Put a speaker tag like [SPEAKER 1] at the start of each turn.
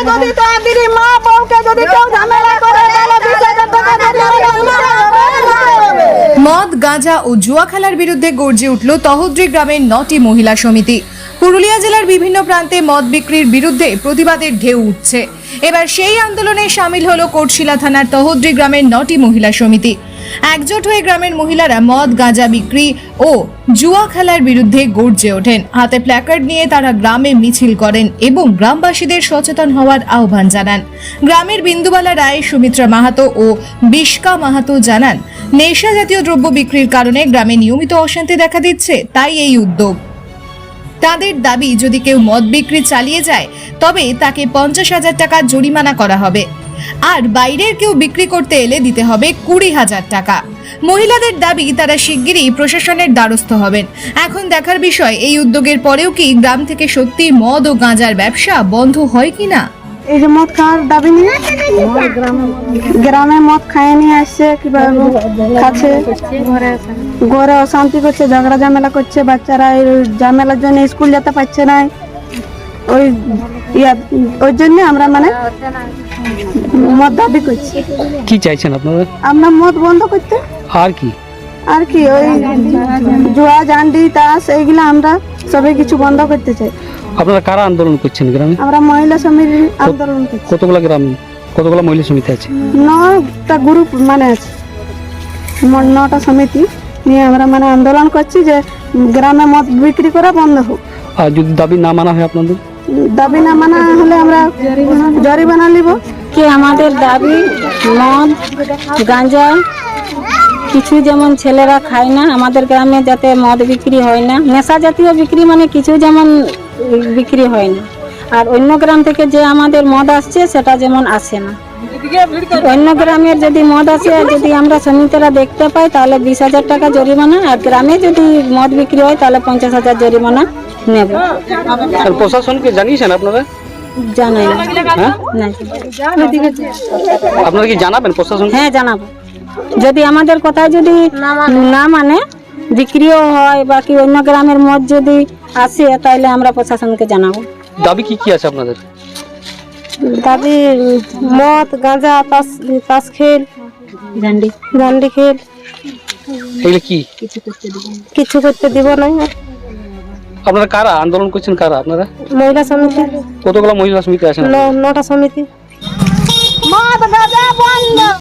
[SPEAKER 1] যদি তাদের মা বউকে যদি কেউ ঝামেলা করে তাহলে 20,000 টাকা
[SPEAKER 2] মদ গাঁজা ও জুয়া খেলার বিরুদ্ধে গর্জে উঠল তহদ্রি গ্রামের 9টি মহিলা সমিতি। পুরুলিয়া জেলার বিভিন্ন প্রান্তে মদ বিক্রির বিরুদ্ধে প্রতিবাদের ঢেউ উঠছে। এবার সেই আন্দোলনে সামিল হলো কোটশিলা থানার তহদ্রি গ্রামের 9টি মহিলা সমিতি। একজোট হয়ে গ্রামের মহিলারা মদ গাঁজা বিক্রি ও জুয়া খেলার বিরুদ্ধে গর্জে ওঠেন। হাতে প্ল্যাকার্ড নিয়ে তারা গ্রামে মিছিল করেন এবং গ্রামবাসীদের সচেতন হওয়ার আহ্বান জানান। গ্রামের বিন্দুবালা রায়, সুমিত্রা মাহাতো ও বিষ্কা মাহাতো জানান, নেশা জাতীয় দ্রব্য বিক্রির কারণে গ্রামে নিয়মিত অশান্তি দেখা দিচ্ছে, তাই এই উদ্যোগ। তাদের দাবি, যদি কেউ মদ বিক্রি চালিয়ে যায় তবে তাকে 50,000 টাকা জরিমানা করা হবে, আর বাইরের কেউ বিক্রি করতে এলে দিতে হবে 20,000 টাকা। মহিলাদের দাবি, তারা শিগগিরই প্রশাসনের দ্বারস্থ হবেন। এখন দেখার বিষয়, এই উদ্যোগের পরেও কি গ্রাম থেকে সত্যি মদ ও গাঁজার ব্যবসা বন্ধ হয় কিনা।
[SPEAKER 1] এই যে মদ খাওয়ার দাবি নিয়ে গ্রামে মদ খাইয়ে নিয়ে আসছে, কিভাবে খাচ্ছে, ঘরে অশান্তি করছে, ঝগড়া ঝামেলা করছে, বাচ্চারা এই ঝামেলার জন্য স্কুল যেতে পারছে না। ওই জন্য আমরা মানে মদ দাবি করছি।
[SPEAKER 3] কি চাইছেন আপনারা?
[SPEAKER 1] আমরা মদ বন্ধ করতে,
[SPEAKER 3] আর কি
[SPEAKER 1] ওই জুয়া জান্ডি তাস এইগুলা আমরা সবাই কিছু বন্ধ করতে চাই।
[SPEAKER 3] আপনারা কারা আন্দোলন করছেন গ্রামে?
[SPEAKER 1] আমরা মহিলা সমিতি আন্দোলন করছি।
[SPEAKER 3] কতগুলো গ্রাম, কতগুলো মহিলা সমিতি আছে?
[SPEAKER 1] 9টা গ্রুপ মানে আছে, 9টা সমিতি নিয়ে আমরা মানে আন্দোলন করছি যে গ্রামে মদ বিক্রি করা বন্ধ হোক।
[SPEAKER 3] আর যদি দাবি না মানা হয় আপনাদের?
[SPEAKER 1] দাবি না মানা হলে আমরা জরিমানা নিব।
[SPEAKER 4] কি আমাদের দাবি, মদ গাঁজা কিছু যেমন ছেলেরা খায় না, আমাদের গ্রামে যাতে মদ বিক্রি হয় না, নেশা জাতীয় বিক্রি মানে কিছু যেমন বিক্রি হয় না। আর অন্য গ্রাম থেকে যে আমাদের মদ আসছে সেটা যেমন আসে না। অন্য গ্রামের যদি মদ আসে, যদি আমরা সমিতিরা দেখতে পাই তাহলে 20,000 টাকা জরিমানা, আর গ্রামে যদি মদ বিক্রি হয় তাহলে 50,000 জরিমানা নেব।
[SPEAKER 3] প্রশাসনকে জানিয়েছেন আপনারা?
[SPEAKER 4] জানাই না।
[SPEAKER 3] হ্যাঁ,
[SPEAKER 4] না।
[SPEAKER 3] আপনারা কি জানাবেন প্রশাসন?
[SPEAKER 4] হ্যাঁ জানাবো, যদি আমাদের কথা যদি না মানে বিক্রিও হয় বা কি অন্য গ্রামের মদ যদি আসে তাহলে আমরা প্রশাসনকে জানাবো।
[SPEAKER 3] দাবি কি কি আছে আপনাদের?
[SPEAKER 4] দাবি মদ গাঁজা তাস খেল জান্ডি খেল
[SPEAKER 3] এগুলো কি
[SPEAKER 4] কিছু করতে দিব না।
[SPEAKER 3] আপনারা কারা আন্দোলন করছেন? কারা আপনারা?
[SPEAKER 4] মহিলা সমিতি।
[SPEAKER 3] কতগুলো মহিলা সমিতি আছেন?
[SPEAKER 4] 9টা সমিতি।
[SPEAKER 1] মদ গাঁজা বন্ধ।